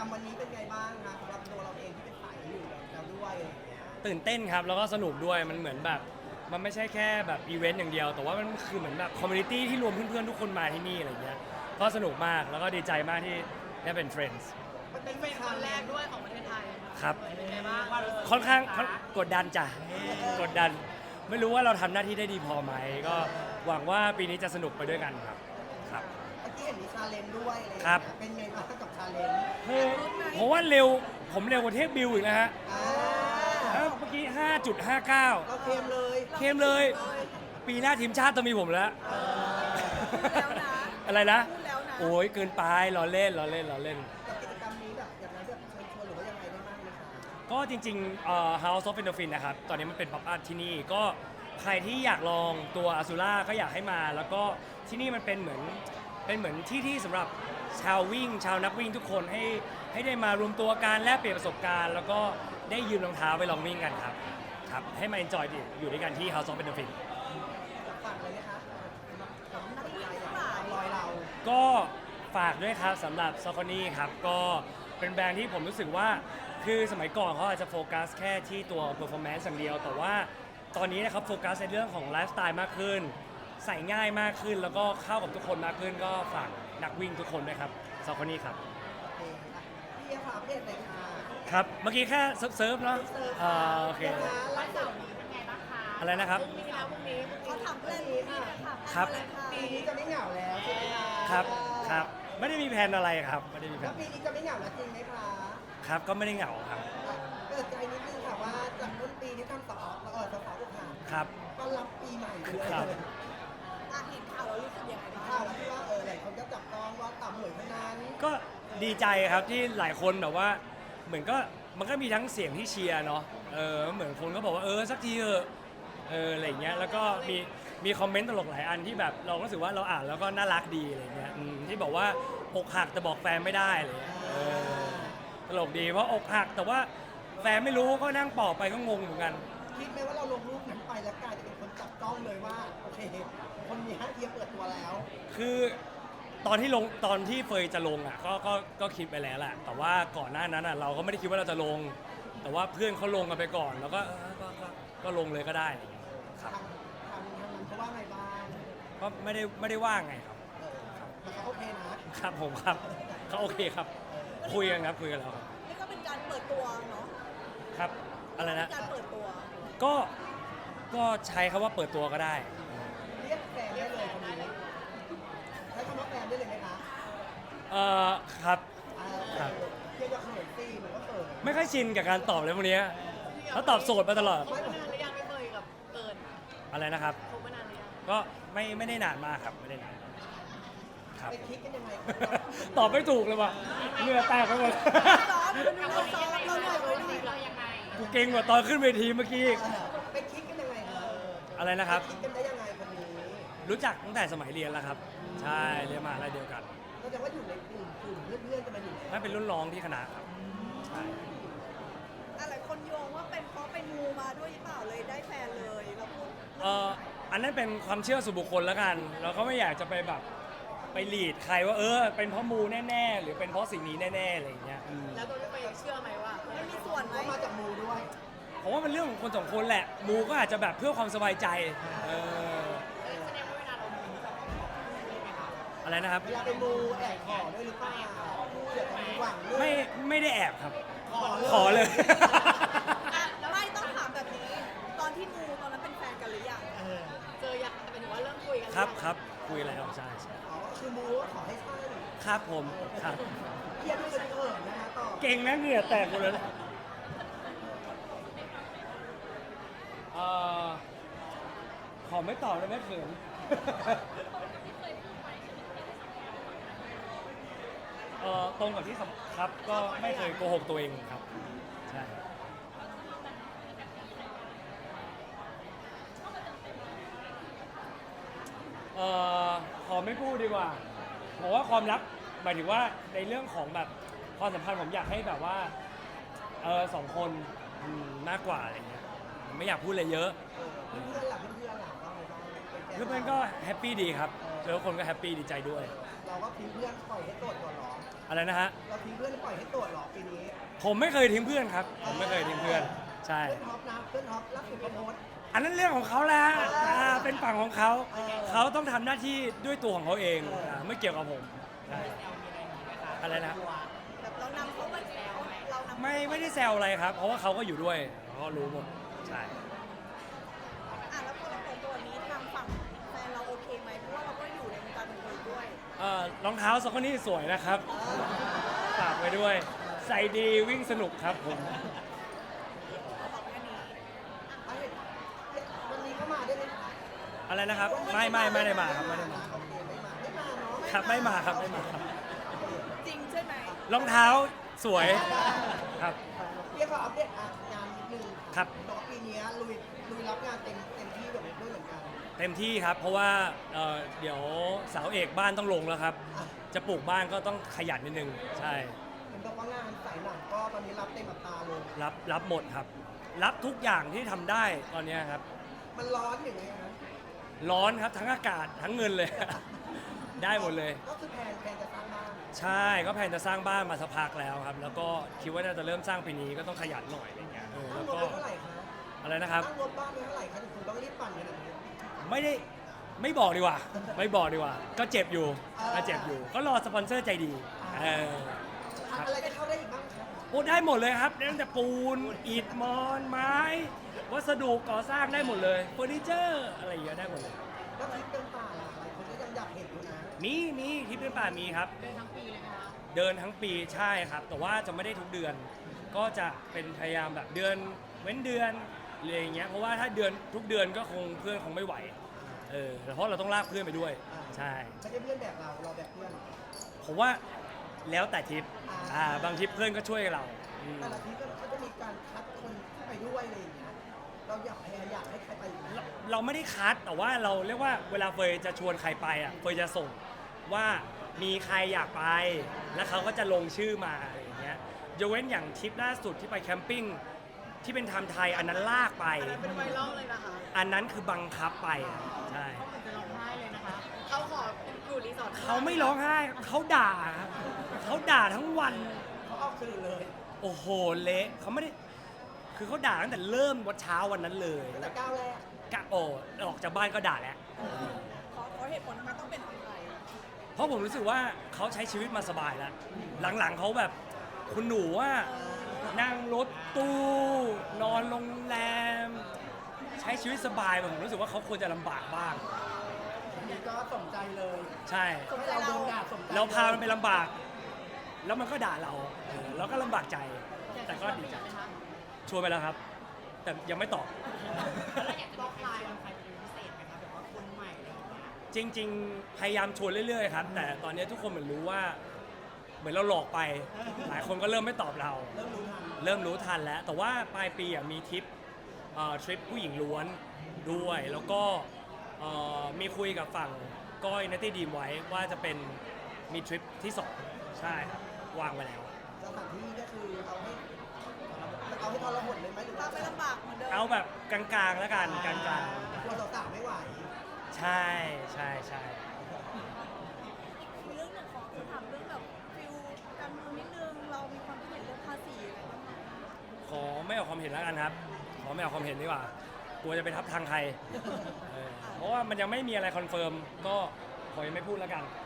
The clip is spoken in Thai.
รมวันนี้เป็นไงบ้างคะสำหรับตัวเราเองที่เป็นสายอยู่แล้วด้วยอะไรอย่างเงี้ยตื่นเต้นครับแล้วก็สนุกด้วยมันเหมือนแบบมันไม่ใช่แค่แบบอีเวนต์อย่างเดียวแต่ว่ามันคือเหมือนแบบคอมมูนิตี้ที่รวมเพื่อนๆทุกคนมาที่นี่อะไรเงี้ยก็สนุกมากแล้วก็ดีใจมากที่ได้เป็น friends มันเป็นเป็นคนแรกด้วยของประเทศไทยครับเป็นไงบ้างค่อนข้างกดดันจ้ะกดดัน ไม่รู้ว่าเราทำหน้าที่ได้ดีพอไหมก็หวังว่าปีนี้จะสนุกไปด้วยกันครับครับเมื่อกี้เห็นมีชาเลนจ์ด้วยอะไรอย่างครัเงี้บยเป็นไงบ้างกับชาเลนจ์ผมว่าเร็วผมเร็วกว่าเทพบิวอีกนะฮะอ่าเมื่อกี้ 5.59 เราเค็มเลยเข้มเลย ปีหน้าทีมชาติต้องมีผมแล้วแล้วนะอะไรนะพูดแล้วนะโอ้ยเกินไปล้อเล่นล้อเล่นล้อเล่นกับกิจกรรมนี้แบบอย่างไรแบบเชิญชวนหรือว่ายังไงได้บ้างไหมคะก็จริงๆHouse of Endorphin นะครับ ตอนนี้มันเป็นป๊อปอัพที่นี่ ก็ใครที่อยากลองตัวอ z ู r a ก็อยากให้มา แล้วก็ที่นี่มันเป็นเหมือนที่สำหรับชาววิ่ง ชาวนักวิ่งทุกคนให้ได้มารวมตัวกันแลกเปลี่ยนประสบการณ์ แล้วก็ได้ยืมรองเท้าไปลองวิ่งกันครับ ครับ ให้มา enjoy อยู่ด้วยกันที่ House of Endorphin ฝากเลยนะคะสำหรับรายรอยเราก็ฝากด้วยครับสำหรับซอคอนี่ครับก็เป็นแบรนด์ที่ผมรู้สึกว่าคือสมัยก่อนเขาอาจจะโฟกัสแค่ที่ตัว performance อย่างเดียว แต่ว่าตอนนี้นะครับโฟกัสในเรื่องของไลฟ์สไตล์มากขึ้น ใส่ง่ายมากขึ้น แล้วก็เข้ากับทุกคนมากขึ้น ก็ฝากนักวิ่งทุกคนด้วยครับซอคอนี่ครับโอเคค่ะพี่ฝากเพจหน่อยค่ะครับเมื่อกี้แค่เซิร์ฟเนาะโอเคนะคะล่าสุดอะไรนะครับพรุ่งนี้แล้วพรุ่งนี้เขาทำเรื่องนี้ค่ะครับปีนี้จะไม่เหงาแล้วใช่ไหมคะครับครับไม่ได้มีแผนอะไรครับไม่ได้มีแผแล้วนปีนี้จะไม่เหงาแล้วจริงไหมคะครับก็ไม่ได้เหงาครับเปิดใจนิดนึงค่ะว่าจากต้นปีที่ทำสอบสอบอกหักครับต้อนรับปีใหม่เลยครับเห็นข่าวแล้วรู้สึกยังไงบ้างข่าวแล้วที่ว่าหลายคนก็จับต้องว่าต่ำเหมือนคนนั้นก็ดีใจครับที่หลายคนแบบว่าเหมือนก็มันก็มีทั้งเสียงที่เชียร์เนาะเหมือนคนก็บอกว่าสักทีเถอะอะไรอย่างเงี้ยแล้วก็มีคอมเมนต์ตลกหลายอันที่แบบเรารู้สึกว่าเราอ่านแล้วก็น่ารักดีอะไรเงี้ยที่บอกว่าอกหักแต่บอกแฟนไม่ได้อะไรเลยตลกดีเพราะอกหักแต่ว่าแฟนไม่รู้ก็นั่งปอบไปก็งงเหมือนกันคิดไหมว่าเราลงรูปนั้นไปแล้วกลายจะเป็นคนจับต้องเลยว่าโอเคคนนี้เทียบเปิดตัวแล้วคือตอนที่เฟยจะลงอ่ะก็คิดไปแล้วแหละแต่ว่าก่อนหน้านั้นอ่ะเราก็ไม่ได้คิดว่าเราจะลง แต่ว่าเพื่อนเขาลงกันไปก่อน แล้วก็ลงเลยก็ได้ครับทางนั้นเขาว่าไงบ้างก็ไม่ได้ว่าไงครับแต่เขาโอเคนะครับผมครับเขาโอเคครับคุยกันครับคุยกันแล้วครับนี่ก็เป็นการเปิดตัวเนาะครับอะไรนะการเปิดตัวก็ใช้คำว่าเปิดตัวก็ได้เรียกแฟนได้เลยคนนี้ใช้คำว่าแฟนได้เลยไหมคะครับครับเรียกว่าเขินซีหรือว่าเขินไม่ค่อยชินกับการตอบเลยพวกเนี้ยเขาตอบโสดมาตลอดคบมานานหรือยังไม่เคยกับเกินอะไรนะครับคบมานานหรือยังก็ไม่ได้นานมากครับไม่ได้นานครับไปคิดกันยังไงตอบไม่ถูกเลยว่ะเหงื่อแตกไปหมดซ้อมเราซ้อมเราเหนื่อยไว้หน่อยเรายังไงกูเก่งกว่าตอนขึ้นเวทีเมื่อกี้อีกไปคิดกันยังไงคะอะไรนะครับคิดกันได้ยังไงคนนี้รู้จักตั้งแต่สมัยเรียนแล้วครับ ใช่เรียนมหาลัยเดียวกันก็แสดงว่าอยู่ในกลุ่มเพื่อนๆกันมาอยู่แล้วนั่นเป็นรุ่นน้องที่คณะครับใช่หลายคนโยงว่าเป็นเพราะไปมูมาด้วยหรือเปล่าเลยได้แฟนเลยเราพูดอันนั้นเป็นความเชื่อส่วนบุคคลแล้วกัน เราก็ไม่อยากจะไปแบบไปหลีดใครว่าเป็นเพราะมูแน่ๆหรือเป็นเพราะสิ่งนี้แน่ๆอะไรอย่างเงี้ยแล้วตัวพี่ไปเชื่อไหมว่ามันมีส่วนไหมก็มาจากมูด้วยผมว่ามันเรื่องของคนสองคนแหละ มูก็อาจจะแบบเพื่อความสบายใจแสดงว่าเวลาเรามูอะไรนะครับเวลาไปมูแอบขอด้วยหรือเปล่าเดี๋ยวจะมีหวังด้วยไม่ได้แอบครับขขออเลเลย ยแล้วไม่ต้องถามแบบนี้ ตอนที่มูตอนนั้นเป็นแฟนกันหรือยังเจอยังแต่เป็นว่าเริ่มคุยกันครับคุยแล้วใช่อ๋อคือมูว่าขอให้ใช่ครับผมครับเพียรด้วยกันเถิดนะคะต่อเก่งนะเหงื่อแตกหมดเลยขอไม่ตอบเลยแม่เขินตรงกับที่ครับก็ไม่เคยโกหกตัวเองครับใช่ขอไม่พูดดีกว่าผมว่าความรักหมายถึงว่าในเรื่องของแบบความสัมพันธ์ผมอยากให้แบบว่าสองคนมากกว่าอะไรเงี้ยไม่อยากพูดอะไรเยอะเพื่อนๆหลับเพื่อนๆหลับว่าไงบ้างเพื่อนๆก็แฮปปี้ดีครับเจอคนก็แฮปปี้ดีใจด้วยเราก็ทิ้งเพื่อนปล่อยให้โสดก่อนเหรออะไรนะฮะเราทิ้งเพื่อนปล่อยให้โสดเหรอผมไม่เคยทิ้งเพื่อนครับ ผมไม่เคยทิ้งเพื่อน ใช่เพื่อนท็อปนะเพื่อนท็อปล่าสุดเขาโพสต์อันนั้นเรื่องของเขาแหละเป็นฝั่งของเขา เขาต้องทำหน้าที่ด้วยตัวของเขาเองไม่เกี่ยวกับผมใช่อะไรนะแบบเรานำเขาไปแล้วเรานำไม่ได้แซวอะไรครับ เพราะว่าเขาก็อยู่ด้วยเขาก็รู้หมดใช่แล้วพอเราเปิดตัวนี้ทางฝั่งแฟนเราโอเคไหมเพราะว่าเราก็อยู่ในวงการบันเทิงด้วยรองเท้าสองคนนี้สวยนะครับฝากไว้ด้วย ใส่ดีวิ่งสนุกครับผมเราบอกแค่นี้วันนี้เขามาได้ไหมคะอะไรนะครับไม่ได้มาครับไม่ได้มาโอเคไม่มาเนาะครับไม่มาครับไม่มาครับจริงใช่ไหมรองเท้าสวยครับเรียกว่าอัปเดตงานนิดนึงครับบอกว่าปีนี้ลุยรับงานเต็มที่แบบด้วยเหมือนกันเต็มที่ครับ เพราะว่าเดี๋ยวเสาเอกบ้านต้องลงแล้วครับ จะปลูกบ้านก็ต้องขยันนิดนึงใช่เห็นบอกว่างานสายหนังก็ตอนนี้รับเต็มอัตราเลยรับหมดครับ รับทุกอย่างที่ทำได้ตอนนี้ครับมันร้อนอย่างไงครับร้อนครับทั้งอากาศทั้งเงินเลย ได้หมดเลยก็คือแพลนจะสร้างบ้านใช่ก็แผนจะสร้างบ้านมาสักพักแล้วครับ แล้วก็คิดว่าน่าจะเริ่มสร้างปีนี้ก็ต้องขยันหน่อยอะไรเงี้ยตั้งแล้วงบก็ไปเท่าไหร่คะอะไรนะครับตั้งงบบ้านไปเท่าไหร่คะถึงคุณต้องรีบปั่นขนาดนี้ไม่บอกดีกว่า ไม่บอกดีกว่า ก็เจ็บอยู่ก็รอสปอนเซอร์ใจดีครับอะไรจะเข้าได้อีกบ้างครับโอ้ได้หมดเลยครับตั้งแต่ปูนอิฐมอนไม้ วัสดุก่อสร้างได้หมดเลยเฟอร์นิเจอร์อะไรอย่างเงี้ยได้หมดเลยแล้วทริปเดินป่าล่ะหลายคนก็ยังอยากเห็นอยู่นะมีที่เป็นป่ามีครับ เดินทั้งปีเลยนะคะเดินทั้งปีใช่ครับ แต่ว่าจะไม่ได้ทุกเดือน ก็จะเป็นพยายามแบบเดือนเว้นเดือนอะไรอย่างเงี้ยเพราะว่าถ้าเดือนทุกเดือนก็คงเพื่อนคงไม่ไหวเพราะเราต้องลากเพื่อนไปด้วยใช่ไม่ใช่เพื่อนแบบเราแบบเพื่อนผมว่าแล้วแต่ทริปบางทริปเพื่อนก็ช่วยเราแต่ละทริปก็จะมีการคัดคนที่ไปด้วยอะไรอย่างเงี้ยเราอยากให้ใครไปอีกไหมเราไม่ได้คัดแต่ว่าเราเรียกว่าเวลาเฟยจะชวนใครไปอ่ะเฟยจะส่งว่ามีใครอยากไป แล้วเขาก็จะลงชื่อมาอะไรอย่างเงี้ยยกเว้นอย่างทริปล่าสุดที่ไปแคมปิ้งที่เป็นไทม์ไทยอันนั้นลากไปเป็นไวรัลเลยนะคะอันนั้นคือบังคับไปใช่เขาเหมือนจะร้องไห้เลยนะคะเขาขออยู่รีสอร์ทเขาไม่ร้องไห้เขาด่าครับเขาด่าทั้งวันเขาออกสื่อเลยโอ้โหเละเขาไม่ได้คือเขาด่าตั้งแต่เริ่มวันเช้าวันนั้นเลยแต่ก้าวแรกกะโอ้ออกจากบ้านก็ด่าแล้วขอเหตุผลทำไมต้องเป็นคนไทยเพราะผมรู้สึกว่าเขาใช้ชีวิตมาสบายแล้ว หลังๆเขาแบบคุณหนูว่านั่งรถตู้นอนโรงแรม ใช้ชีวิตสบายผมรู้สึกว่าเขาควรจะลำบากบ้างอันนี้ก็สมใจเลยใช่ให้เราโดนด่าสมใจเราพามันไปลำบาก แล้วมันก็ด่าเราเราก็ลำบากใจ แต่ก็ดีใจชวนไปแล้วครับ แต่ยังไม่ตอบบอกใครเป็นใครเป็นพิเศษไหมคะแบบว่าคนใหม่อะไรอย่างเงี้ยจริงๆ พยายามชวนเรื่อยๆครับ แต่ตอนนี้ทุกคนเหมือนรู้ว่า เหมือนเราหลอกไป หลายคนก็เริ่มไม่ตอบเราเริ่มรู้ทันเริ่มรู้ทันแล้ว แต่ว่าปลายปีมีทริปทริปผู้หญิงล้วนด้วย แล้วก็มีคุยกับฝั่งก้อยนัตตี้ดีมไว้ว่าจะเป็นมีทริปที่ 2 ใช่ครับวางไว้แล้วสถานที่ก็คือเอาให้ทรหดเลยไหมหรือพาว่าไปลำบากเหมือนเดิมเอาแบบกลางๆแล้วกันกลางกลัวสาวๆไม่ไหวๆใช่ใช่ใช่มีเรื่องหนึ่งของจะถามเรื่องแบบฟิลการเมืองนิดนึงเรามีความคิดเห็นเรื่องภาษีอะไรบ้างไหมขอไม่ออกความเห็นแล้วกันครับ ขอไม่ออกความเห็นดีกว่ากลัวจะไปทับทางใครเพราะว่ามันยังไม่มีอะไรคอนเฟิร์มก็ขอยังไม่พูดแล้วกัน